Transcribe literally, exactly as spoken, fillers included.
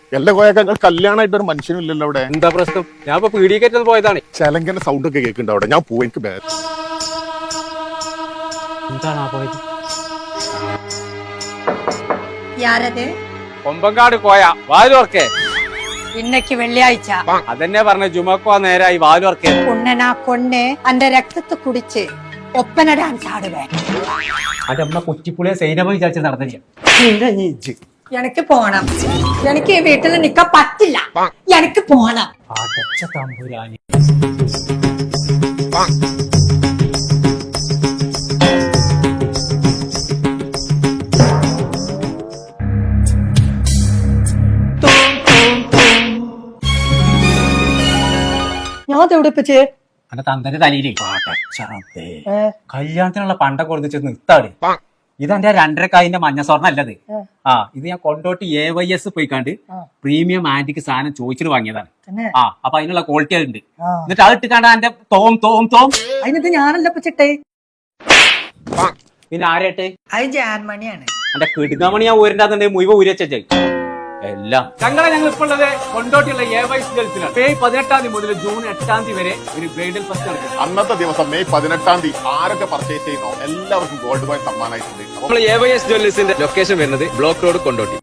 എല്ലാ കോയൊക്കെ കല്യാണമായിട്ട് ഒരു മനുഷ്യനും ഇല്ലല്ലോ അവിടെ. എന്താ പ്രശ്നം? ഞാൻ ഇപ്പൊ പീഡിയേറ്റ് പോയതാണ്. ചെലങ്കന്റെ സൗണ്ട് ഒക്കെ കേൾക്കുന്നുണ്ട് അവിടെ. ഞാൻ പോയി എനിക്ക് ബേ- എന്താണ് ആ പോയത്? യാരത് കൊമ്പങ്കാട് കോയ വാലുവർക്കേ. ഇന്നക്ക് വെള്ളിയാഴ്ച അതെന്നെ പറഞ്ഞ ജുമക്കോ നേരായി വാലുവർക്കേ. കുണ്ണനാ കൊണ്ണ് അന്റെ രക്തത്തെ കുടിച്ച് ഒപ്പന ഡാൻസ് ആടുവേ. അത് നമ്മളെ കുറ്റിപ്പുളിയെ സൈനമ വിചാരിച്ച് നടന്നില്ല. എനിക്ക് പോണം. എനിക്ക് ഈ വീട്ടിൽ നിക്കാൻ പറ്റില്ല. എനിക്ക് പോണം. അടച്ച തമ്പുരാനി. ഞാൻ തെവിടിപ്പിച്ച് അന്റെ തന്തന്റെ തലയിലേ കല്യാണത്തിനുള്ള പണ്ടൊക്കെ കൊടുത്ത് നിർത്താട്. ഇതെന്റെ രണ്ടരക്കായിന്റെ മഞ്ഞ സ്വർണ്ണ അല്ലത്. ആ ഇത് ഞാൻ കൊണ്ടോട്ട് എ വൈ എസ് പോയിക്കാണ്ട് പ്രീമിയം ആന്റിക്ക് സാധനം ചോദിച്ചിട്ട് വാങ്ങിയതാണ്. ആ അപ്പൊ അതിനുള്ള ക്വാളിറ്റി ഉണ്ട്. എന്നിട്ട് അത് ഇട്ടിക്കാണ്ട് എന്റെ തോം തോം തോം അതിനത് ഞാനല്ല പച്ചിട്ടേ. പിന്നെ ആരേട്ടെ? അത് ജാൻമണിയാണ്. എന്റെ കിടുങ്ങാമണി ഞാൻ ഊരിന്റെ മുഴുവൻ ഊരി വെച്ചേ എല്ലാം. ഞങ്ങളെ ഞങ്ങൾ ഇപ്പോൾ ഉള്ളത് കൊണ്ടോട്ടിയുള്ള എ വൈസ് ഗേൾസിലാണ്. മെയ് പതിനെട്ടാം തീയതി മുതൽ ജൂൺ എട്ടാം തീയതി വരെ ഒരു ബ്രൈഡൽ ഫസ്റ്റ് നടക്കും. അന്നത്തെ ദിവസം മെയ് പതിനെട്ടാം തീയതി ആരൊക്കെ പർച്ചേസ് ചെയ്യുന്നോ എല്ലാവർക്കും ഗോൾഡ് കോയിൻ സമ്മാനമായിട്ടുണ്ട്. നമ്മൾ എ വൈ എസ് ജ്വല്ലേഴ്സിന്റെ ലൊക്കേഷൻ വരുന്നത് ബ്ലോക്ക് റോഡ് കൊണ്ടോട്ടി.